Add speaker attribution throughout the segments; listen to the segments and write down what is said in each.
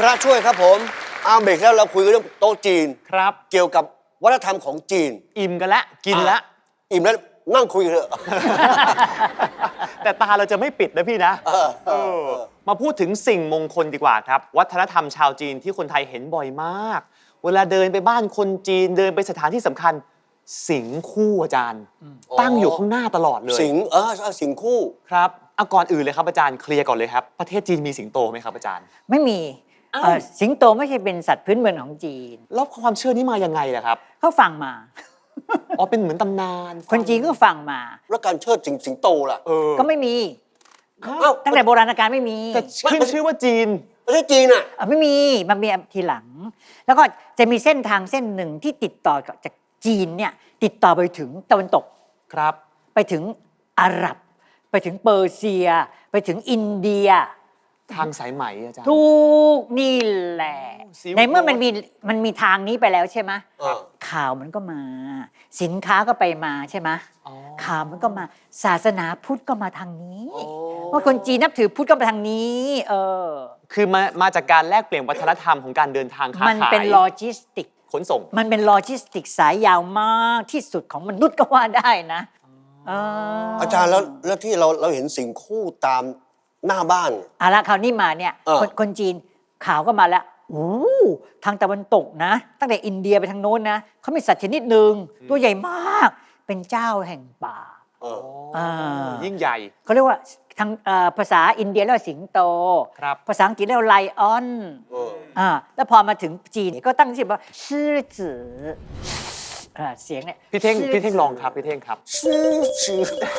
Speaker 1: ระช่วยครับผมเบรกแล้วเราคุยกันเรื่องโต๊ะจีน
Speaker 2: ครับ
Speaker 1: เกี่ยวกับวัฒนธรรมของจีน
Speaker 2: อิ่มกันแล้วกินแล้ว
Speaker 1: อิ่มแล้วนั่งคุยกันเถอะ
Speaker 2: แต่ตาเราจะไม่ปิดนะพี่นะมาพูดถึงสิ่งมงคลดีกว่าครับวัฒนธรรมชาวจีนที่คนไทยเห็นบ่อยมากเวลาเดินไปบ้านคนจีนเดินไปสถานที่สำคัญสิงคู่อาจารย์ตั้งอยู่ข้างหน้าตลอดเลย
Speaker 1: สิงสิงคู่
Speaker 2: ครับเอาก่อนอื่นเลยครับอาจารย์เคลียร์ก่อนเลยครับประเทศจีนมีสิงโตไหมครับอาจารย์
Speaker 3: ไม่มี
Speaker 2: อ้าว
Speaker 3: สิงโตไม่ใช่เป็นสัตว์พื้นเมืองของจีน
Speaker 2: แล้วความเชื่อนี้มายังไงล่ะครับ
Speaker 3: เขาฟังมา
Speaker 2: อ๋อเป็นเหมือนตำนาน
Speaker 3: คนจีนก็ฟังมา
Speaker 1: แล้วการเชิดสิงโตล่ะ
Speaker 3: ก็ไม่มี
Speaker 1: อ้าว
Speaker 3: ตั้งแต่โบราณกาลไม่มี
Speaker 2: แต่ขึ้นชื่อว่าจีน
Speaker 1: ประเทศจีนอ่ะ
Speaker 3: ไม่มีมันมีทีหลัง แล้วก็จะมีเส้นทางเส้นหนึ่งที่ติดต่อจากจีนเนี่ยติดต่อไปถึงตะวันตก
Speaker 2: ครับ
Speaker 3: ไปถึงอาหรับ ไปถึงเปอร์เซีย ไปถึงอินเดีย
Speaker 2: ทางสายไหมอาจารย์
Speaker 3: ทุกนี่แหละ
Speaker 2: Silk
Speaker 3: ในเมื่อ
Speaker 2: Road
Speaker 3: มันมีทางนี้ไปแล้วใช่ไหม
Speaker 1: ครับ
Speaker 3: ข่าวมันก็มา สินค้าก็ไปมาใช่ไหม
Speaker 2: อ๋อ
Speaker 3: ข่าวมันก็มาศาสนาพุทธก็มาทางนี้
Speaker 1: อ๋อ
Speaker 3: ว่าคนจีนนับถือพุทธก็มาทางนี้
Speaker 2: คือมาจากการแลกเปลี่ยนวัฒนธรรมของการเดินทางค้าขาย
Speaker 3: มันเป็นโลจิสติก
Speaker 2: ขนส่ง
Speaker 3: มันเป็นโลจิสติกสายยาวมากที่สุดของมนุษย์ก็ว่าได้นะ
Speaker 1: อาจารย์แล้วที่เราเห็นสิงคู่ตามหน้าบ้าน
Speaker 3: เอาละคราวนี้มาเนี่ย คนจีนข่าวก็มาแล้วโอ้ทางตะวันตกนะ ตั้งแต่อินเดียไปทางโน้นนะเขามีสัตว์ชนิดหนึ่งตัวใหญ่มาก เป็นเจ้าแห่งป่า
Speaker 2: ยิ่งใหญ่
Speaker 3: เขาเรียกว่าทางภาษาอินเดียเรียกว่าสิงโต
Speaker 2: ครับ
Speaker 3: ภาษาอังกฤษเรียกว่าไลออนแล้วพอมาถึงจีนก็ตั้งชื่อว่าชื่อจือเสียงเนี่ย
Speaker 2: พี่เท่งลองครับพี่เท่งครับ
Speaker 1: ชื่อก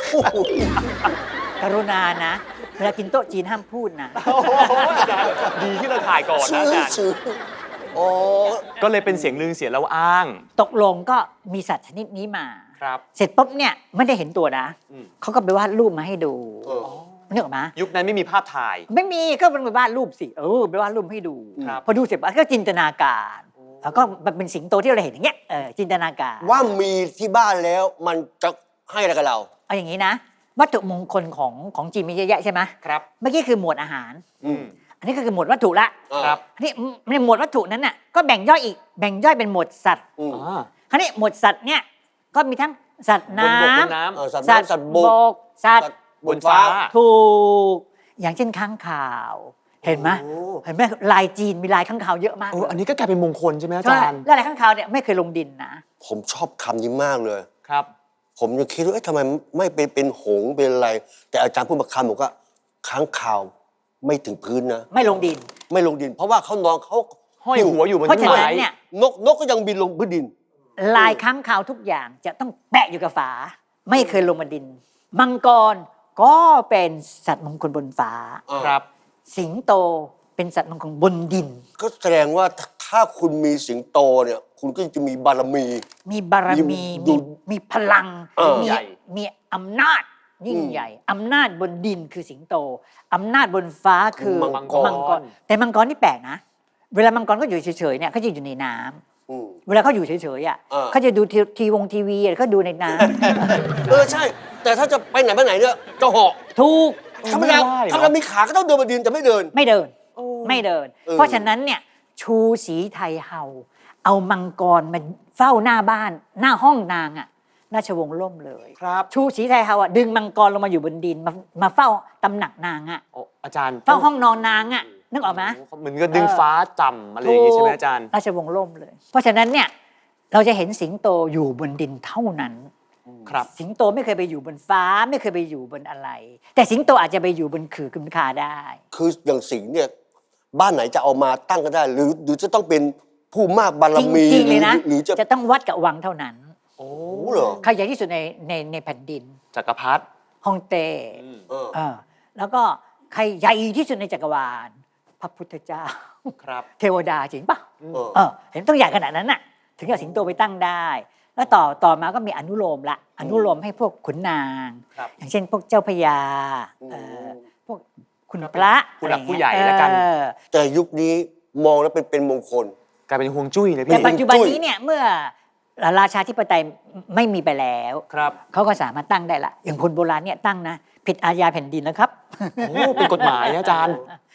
Speaker 3: รุณานะ เวลากินโต๊ะจีนห้ามพูดนะ
Speaker 2: โอ้โหอาจารย์ดีที่เราถ่ายก่อนนะอาจารย์
Speaker 1: ชื่อโอ้
Speaker 2: ก็เลยเป็นเสียงลือเสียงเล่าอ้าง
Speaker 3: ตกลงก็มีสัตว์ชนิดนี้มา
Speaker 2: ครับ
Speaker 3: เสร็จปุ๊บเนี่ยไม่ได้เห็นตัวนะ
Speaker 2: อืม
Speaker 3: เขาก็ไปวาดรูปมาให้ดูนึกออกไหม
Speaker 2: ยุคนั้นไม่มีภาพถ่าย
Speaker 3: ไม่มีก็มันไปวาดรูปสิไปวาดรูปให้ดู
Speaker 2: ครับ
Speaker 3: พอดูเสร็จปั๊บก็จินตนาการแล้วก็มันเป็นสิงโตที่เราเห็นอย่างเงี้ยจินตนาการ
Speaker 1: ว่ามีที่บ้านแล้วมันจะให้อะไรกับเรา
Speaker 3: เอาอย่างนี้นะ วัตถุมงคลของจีนมีเยอะแยะใช่ไหม
Speaker 2: ครับ
Speaker 3: เมื่อกี้คือหมวดอาหาร
Speaker 1: อืม
Speaker 3: อันนี้ก็คือหมวดวัตถุละ
Speaker 2: ครับ
Speaker 3: อันนี้ในหมวดวัตถุนั้นน่ะก็แบ่งย่อยอีกแบ่งย่อยเป็นหมวดสัตว์
Speaker 1: อืม
Speaker 2: อ่า
Speaker 3: คราวนี้หมวดสัตว์เนี่ยก็มีทั้งสัตว์น้
Speaker 2: บนบกบนน้
Speaker 1: สัตว์
Speaker 3: ำ
Speaker 1: น้ำสัตว์บก
Speaker 3: สัตว์
Speaker 2: บนฟ้า
Speaker 3: ถูกอย่างเช่นค้างคาว เห็นไหม
Speaker 1: โอ้
Speaker 3: เห็นไหมลายจีนมีลายค้างคาวเยอะมาก
Speaker 2: อันนี้ก็กลายเป็นมงคลใช่ไหมอา
Speaker 3: ใช่
Speaker 2: จารย์
Speaker 3: แล้วลายค้างคาวเนี่ยไม่เคยลงดินนะ
Speaker 1: ผมชอบคำนี้มากเลย
Speaker 2: ครับ
Speaker 1: ผมยังคิดว่าทำไมไม่เป็นหงส์เป็นอะไร แต่อาจารย์พูดมาคำบอกว่าค้างคาวไม่ถึงพื้นนะ
Speaker 3: ไม่ลงดิน
Speaker 1: ไม่ลงดิน เพราะว่าเขานอนเขา
Speaker 2: ห้อยหัวอยู่บน
Speaker 3: เพราะ
Speaker 2: ต้น
Speaker 3: ฉะ
Speaker 2: ไม้
Speaker 3: นั้นเนี่ย
Speaker 1: นกก็ยังบินลงพื้นดิน
Speaker 3: ลายค้างคาวทุกอย่างจะต้องแปะอยู่กับฝา ไม่เคยลงมาดิน มังกรก็เป็นสัตว์มงคลบนฟ้า
Speaker 2: ครับ
Speaker 3: สิงโตเป็นสัตว์มงคลบนดิน
Speaker 1: ก็แสดงว่าถ้าคุณมีสิงโตเนี่ย คุณก็จะมีบารมี
Speaker 3: มีบารมี
Speaker 1: ดู
Speaker 3: มีพลัง มี
Speaker 2: ใหญ่
Speaker 3: มีอำนาจยิ่งใหญ่อำนาจบนดินคือสิงโตอำนาจบนฟ้าคือ
Speaker 1: มังกร
Speaker 3: แต่มังกรนี่แปลกนะ เวลามังกรก็อยู่เฉยๆเนี่ยเขาจะอยู่ในน้ำ
Speaker 1: อืม
Speaker 3: เวลาเขาอยู่เฉยๆอ่ะ
Speaker 1: เออ
Speaker 3: เขาจะดูทีวีอะไรเขาดูในน้ำ
Speaker 1: ใช่ แต่ถ้าจะไปไหนมาไหนเนี่ยจะเหาะ
Speaker 3: ถูก
Speaker 1: ธรรมดา
Speaker 2: ไม่ได้เหรอ
Speaker 1: ธรรมดามีขาก็ต้องเดินบนดินแต่ไม่เดิน
Speaker 3: ไม่เดินไม่เดิน
Speaker 1: เออ
Speaker 3: เพราะฉะนั้นเนี่ยชูศรีไทยเฮาเอามังกรมาเฝ้าหน้าบ้านหน้าห้องนางอ่ะราชวงศ์ล่มเลย
Speaker 2: ครับ
Speaker 3: ชูศรีไทยเฮาอ่ะดึงมังกรลงมาอยู่บนดินมาเฝ้าตำหนักนางอ่ะ
Speaker 2: โอ้อาจารย์
Speaker 3: เฝ้าห้องนอนนางอ่ะนึกออกไหม
Speaker 2: เหมือนกับดึงฟ้าจำอะไรอย่างงี้ใช่ไหมอาจารย์
Speaker 3: ราชวงศ์ล่มเลย เพราะฉะนั้นเนี่ยเราจะเห็นสิงโตอยู่บนดินเท่านั้น
Speaker 2: ครับ
Speaker 3: สิงโตไม่เคยไปอยู่บนฟ้าไม่เคยไปอยู่บนอะไร แต่สิงโตอาจจะไปอยู่บนขื่อกุมคาได้
Speaker 1: คืออย่างสิงห์เนี่ยบ้านไหนจะเอามาตั้งก็ได้ หรือจะต้องเป็นผู้มากบาร
Speaker 3: จ
Speaker 1: มี
Speaker 3: ริงๆเลยนะ
Speaker 1: หรือจะ
Speaker 3: จะต้องวัดกับวังเท่านั้น
Speaker 2: โอ้
Speaker 1: โอ้เหรอ
Speaker 3: ใครใหญ่ที่สุดในแผ่นดิน
Speaker 2: จักรพรรดิ
Speaker 3: ฮ่องเต้
Speaker 1: เออ
Speaker 3: แล้วก็ใครใหญ่ที่สุดในจักรวาล พระพุทธเจ้า
Speaker 2: ครับ
Speaker 3: เทวดาจริงปะ
Speaker 1: เออ
Speaker 3: เห็นต้องใหญ่ขนาดนั้นน่ะ ถึงจะสิงโตไปตั้งได้ แล้วต่อมาก็มีอนุโลมละอนุโลมให้พวกขุนนาง
Speaker 2: ครับ
Speaker 3: อย่างเช่นพวกเจ้าพญาพวกคุณพระ
Speaker 2: ผู้หลัก
Speaker 3: อะไร
Speaker 2: ผู้ใหญ่
Speaker 3: เงี้ย
Speaker 2: แล้วกัน
Speaker 1: แต่ยุคนี้มองแล้วเป็นมงคล
Speaker 2: กลายเป็นฮวงจุ้ยเลย
Speaker 3: แต่
Speaker 2: พี่
Speaker 3: ปัจจุบันนี้เนี่ยเมื่อราชาธิปไตยไม่มีไปแล้ว
Speaker 2: ครับ
Speaker 3: เขาก็สามารถตั้งได้ละอย่างคนโบราณเนี่ยตั้งนะผิดอาญาแผ่นดินนะครับ
Speaker 2: โอ้เป็นกฎหมายนะอาจารย์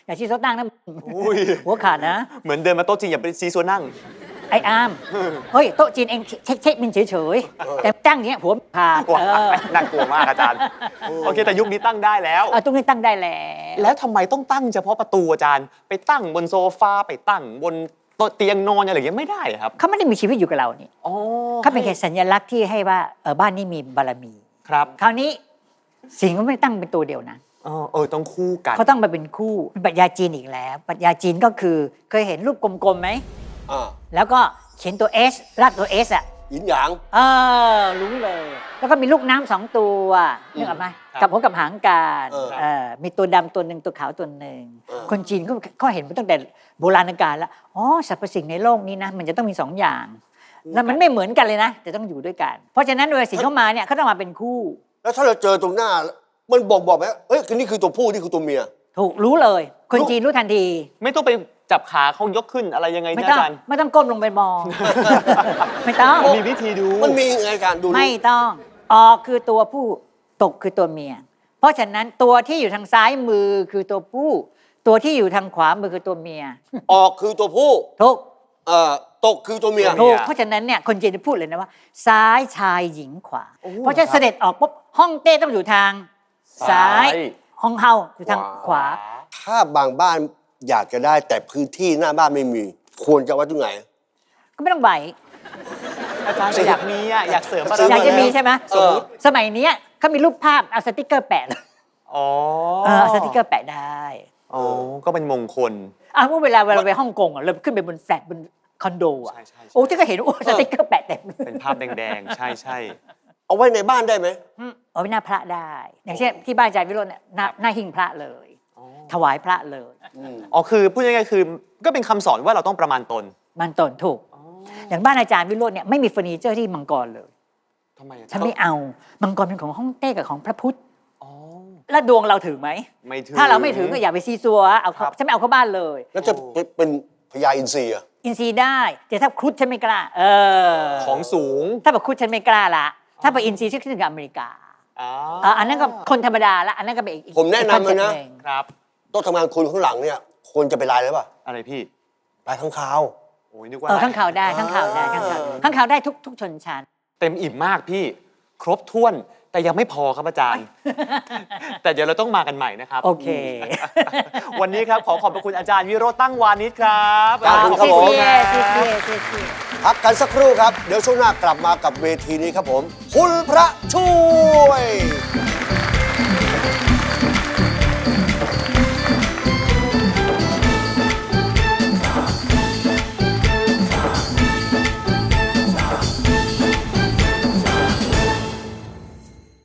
Speaker 3: อย่าชี้โซตั้งนะ
Speaker 2: อุ้ย
Speaker 3: หัวขาดนะ
Speaker 2: เหมือนเดินมาโต๊ะจีนอย่าไปซีซัวนั่ง
Speaker 3: ไอ้อามเฮ้ยโต๊ะจีนเองเช็คบินเฉยๆแต่ตั้งอย่างเงี้ยหัวขาด
Speaker 2: กลัวน่ากลัวมากอาจารย์ โอเค แต่ยุคนี้ตั้งได้แล้ว
Speaker 3: ตรงนี้ตั้งได้แล้ว
Speaker 2: แล้วทำไมต้องตั้งเฉพาะประตูอาจารย์ ไปตั้งบนโซฟาไปตั้งบนโต๊ะเตียงนอนอะไรอย่างเงี้ยไม่ได้เหรอครับ
Speaker 3: เขาไม่ได้มีชีวิตอยู่กับเรานี่
Speaker 2: อ๋อ
Speaker 3: เขาเป็นแค่สัญลักษณ์ที่ให้ว่าบ้านนี้มีบารมี
Speaker 2: ครับ
Speaker 3: คราวนี้สิ่งก็ไม่ได้ตั้งเป็นตัวเดียวนะ
Speaker 2: ต้องคู่กัน
Speaker 3: เขาต้องมาเป็นคู่เป็นปรัชญาจีนอีกแล้วปรัชญาจีนก็คือเคยเห็นรูปกลมๆไหม
Speaker 1: อ่า
Speaker 3: แล้วก็เขียนตัว S รัดตัว S อ่ะ
Speaker 1: หยินหยาง
Speaker 3: รู้เลย แล้วก็มีลูกน้ำสองตัวนึกออกไหม
Speaker 2: ครับ
Speaker 3: กับหัวกับหางการ มีตัวดำตัวหนึ่งตัวขาวตัวหนึ่ง คนจีนเขาเห็นมาตั้งแต่โบราณกาลแล้วอ๋อสรรพสิ่งในโลกนี้นะมันจะต้องมีสองอย่าง แล้วมันไม่เหมือนกันเลยนะแต่ต้องอยู่ด้วยกัน เพราะฉะนั้นเวลาสิ่งเข้ามาเนี่ยเขาต้องมาเป็นคู่
Speaker 1: แล้วถ้าเราเจอตรงหน้า มันบอกไหมเฮ้ยนี่คือตัวผู้นี่คือตัวเมีย
Speaker 3: ถูกรู้เลย คนจีนรู้ทันที
Speaker 2: ไม่ต้องไปจับขาเขายกขึ้นอะไรยังไง
Speaker 3: ไม่
Speaker 2: นะ
Speaker 3: ต้อง
Speaker 2: อาจารย์
Speaker 3: ไม่ต้องก้มลงไปมอง ไม่ต้อง
Speaker 2: มีวิธีดู
Speaker 1: มันมีไงการดู
Speaker 3: ไม่ต้องออกคือตัวผู้ตกคือตัวเมีย เพราะฉะนั้นตัวที่อยู่ทางซ้ายมือคือตัวผู้ ตัวที่อยู่ทางขวามือคือตัวเมีย
Speaker 1: ออกคือตัวผู้
Speaker 3: ถูก
Speaker 1: ตกคือตัวเมีย
Speaker 2: ตัวเมีย
Speaker 3: ถูกเพราะฉะนั้นเนี่ยคนจีนจะพูดเลยนะว่า ซ้ายชายหญิงขวา
Speaker 2: โอ้
Speaker 3: เพราะฉะนั้นเสด็จออกปุ๊บห้องเต้ต้องอยู่ทางซ้าย ห้องเฮาอยู่ทางขวา
Speaker 1: ถ้าบางบ้านอยากจะได้แต่พื้นที่หน้าบ้านไม่มี ควรจะไว้ตรงไหน
Speaker 3: ก็ไม่ต้องไหว
Speaker 2: อาจารย์แต่อยากมีอ่ะอยากเสริมบาร
Speaker 1: ซื้
Speaker 3: อยากจะมี
Speaker 1: แล้ว
Speaker 3: ใช่ไหม
Speaker 1: สมมุติ
Speaker 3: สมัยเนี้ยเขามีรูปภาพเอาสติกเกอร์แปะเลย
Speaker 2: อ๋อ
Speaker 3: เอาสติกเกอร์แปะได้
Speaker 2: อ๋อก็เป็นมงคล
Speaker 3: เมื่อเวลาไปฮ่องกงเราขึ้นไปบนแฟลตบนคอนโดอ่ะ
Speaker 2: ใช่ใช่
Speaker 3: โอ้ที่ก็เห็นโอ้สติกเกอร์แปะเต็ม
Speaker 2: เป็นภาพแดงๆ ใช่ใช่
Speaker 1: เอาไว้ในบ้านได้ไหม
Speaker 3: เอาไว้หน้าพระได้ อย่างเช่นที่บ้านอาจารย์วิโรจน์เนี่ยหน้าหิ้งพระเลย ถวายพระเลย
Speaker 2: อ๋อคือพูดง่ายๆคือก็เป็นคำสอนว่าเราต้องประมาณตน
Speaker 3: มันตนถูก อย่างบ้านอาจารย์วิโรจน์เนี่ยไม่มีเฟอร์นิเจอร์ที่มังกรเลย
Speaker 2: ทำไมอาจารย์
Speaker 3: ฉันไม่เอา มังกรเป็นของฮ่องเต้กับของพระพุทธ
Speaker 2: อ๋อ
Speaker 3: แล้วดวงเราถือไหม
Speaker 2: ไม่ถือ
Speaker 3: ถ้าเราไม่ถือก็อย่าไปซีซัวเอา
Speaker 2: ครับ
Speaker 3: ฉันไม่เอาเข้าบ้านเลย
Speaker 1: แล้วจะเป็นพญาอินทรีอะ
Speaker 3: อินซีย์ได้ แต่ถ้าครุฑฉันไม่กล้า
Speaker 2: ของสูง
Speaker 3: ถ้าแบบครุฑฉันไม่กล้าละ ถ้าไปอินซีย์ฉันขึ้นกับอเมริกา
Speaker 2: อ๋อ
Speaker 3: อันนั้นก็คนธรรมดาละ อันนั้นก็เป็นอีก
Speaker 1: ผมแนะนำเลยนะ
Speaker 3: อีกคอซ็ปต์หง
Speaker 2: ครับ
Speaker 1: โต๊ะทำงานคุณข้างหลังเนี่ยควรจะเป็นลายอะไรป่ะ
Speaker 2: อะไรพี่
Speaker 1: ลายข้างคาว
Speaker 2: โอ้ยนึกว่า
Speaker 3: ข้างข่าวได้ข้างข่าวได้ข้างข่าวข้างข่าวได้ทุกชนชั้น
Speaker 2: เต็มอิ่มมากพี่ ครบถ้วน แต่ยังไม่พอครับอาจารย์ แต่เดี๋ยวเราต้องมากันใหม่นะครับ
Speaker 3: โอเค
Speaker 2: วันนี้ครับขอขอบพระคุณอาจารย์วิโรจน์ตั้งวานิชครับ
Speaker 1: ขอบคุณครับผม
Speaker 3: เชียร์
Speaker 1: พักกันสักครู่ครับ เดี๋ยวช่วงหน้ากลับมากับเวทีนี้ครับผม คุณพระช่วย